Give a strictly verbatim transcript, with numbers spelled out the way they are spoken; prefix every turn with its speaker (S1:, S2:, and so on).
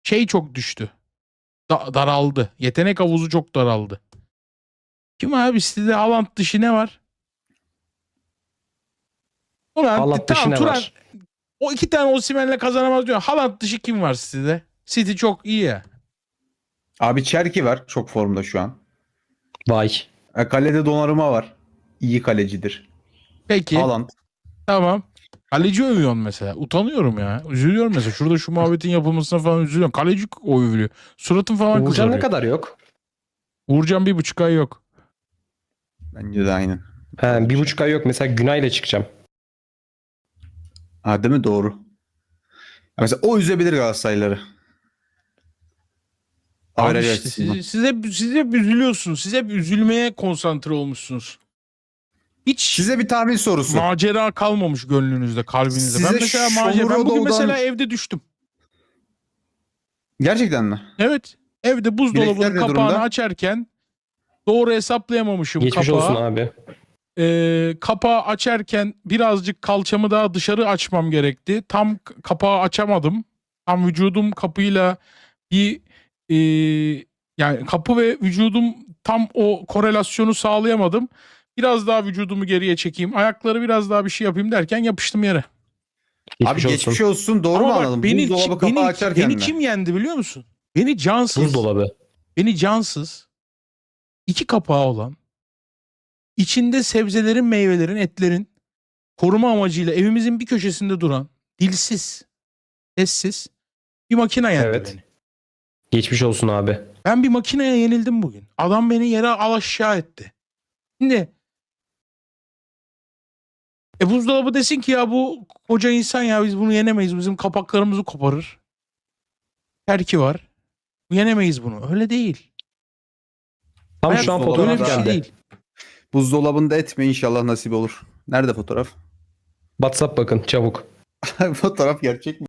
S1: şey çok düştü. Da- daraldı. Yetenek havuzu çok daraldı. Kim abi sitede Haaland dışı ne var? Ulan
S2: Haaland dışı
S1: tamam
S2: ne
S1: Turan
S2: var?
S1: o iki tane Osimhen'le kazanamaz diyor. Haaland dışı kim var sitede? City çok iyi ya.
S3: Abi Çerki var. Çok formda şu an.
S2: Vay.
S3: E, Kalede Donnarumma var. İyi kalecidir.
S1: Peki
S3: Haaland.
S1: tamam. Kaleci övüyorsun mesela. Utanıyorum ya. Üzülüyorum mesela. Şurada şu muhabbetin yapılmasına falan üzülüyorum. Kaleci övülüyor. Suratım falan
S2: Uğurcan
S1: kızarıyor.
S2: ne kadar yok?
S1: Uğurcan bir buçuk ay yok.
S3: Bence de aynen.
S2: He, bir buçuk ay yok. Mesela Günay'la çıkacağım.
S3: Ha, değil mi? Doğru. Ya mesela o üzebilir Galatasaraylıları.
S1: Abi
S3: Averaj
S1: işte
S3: açısından.
S1: siz, siz, hep, siz hep üzülüyorsunuz. Siz hep üzülmeye konsantre olmuşsunuz. Hiç
S3: Size bir tahmin sorusu.
S1: macera kalmamış gönlünüzde, kalbinizde. Ben
S3: Size
S1: mesela macera, ben bugün
S3: Shomurodov'dan-
S1: mesela evde düştüm.
S3: Gerçekten mi?
S1: Evet. Evde buzdolabının
S3: Bilekler ne
S1: kapağını
S3: durumda?
S1: açarken doğru hesaplayamamışım
S2: Geçmiş
S1: kapağı.
S2: olsun abi.
S1: Ee, kapağı açarken birazcık kalçamı daha dışarı açmam gerekti. Tam k- kapağı açamadım. Tam vücudum kapıyla bir e, yani kapı ve vücudum tam o korelasyonu sağlayamadım. Biraz daha vücudumu geriye çekeyim. Ayakları biraz daha bir şey yapayım derken yapıştım yere.
S2: Geçmiş
S3: Abi
S2: olsun.
S3: geçmiş olsun. Doğru
S1: Ama
S3: mu
S1: bak
S3: anladım?
S1: beni,
S3: Buzdolabı kapağı
S1: beni,
S3: açarken
S1: beni
S3: mi?
S1: kim yendi biliyor musun? Beni cansız,
S2: Buzdolabı.
S1: beni cansız, iki kapağı olan, içinde sebzelerin, meyvelerin, etlerin koruma amacıyla evimizin bir köşesinde duran, dilsiz, sessiz bir makine yendi
S2: Evet.
S1: beni.
S2: Geçmiş olsun abi.
S1: Ben bir makineye yenildim bugün. Adam beni yere al aşağı etti. Şimdi e buzdolabı desin ki ya bu koca insan ya biz bunu yenemeyiz. Bizim kapaklarımızı koparır. Terki var. Yenemeyiz bunu. Öyle değil.
S2: Tam
S1: Hayat
S2: şu an
S3: buzdolabı
S1: öyle
S2: fotoğraf
S1: bir şey
S2: geldi.
S1: değil.
S3: Buzdolabında etme, inşallah nasip olur. Nerede fotoğraf?
S2: WhatsApp bakın çabuk.
S3: Fotoğraf gerçek mi?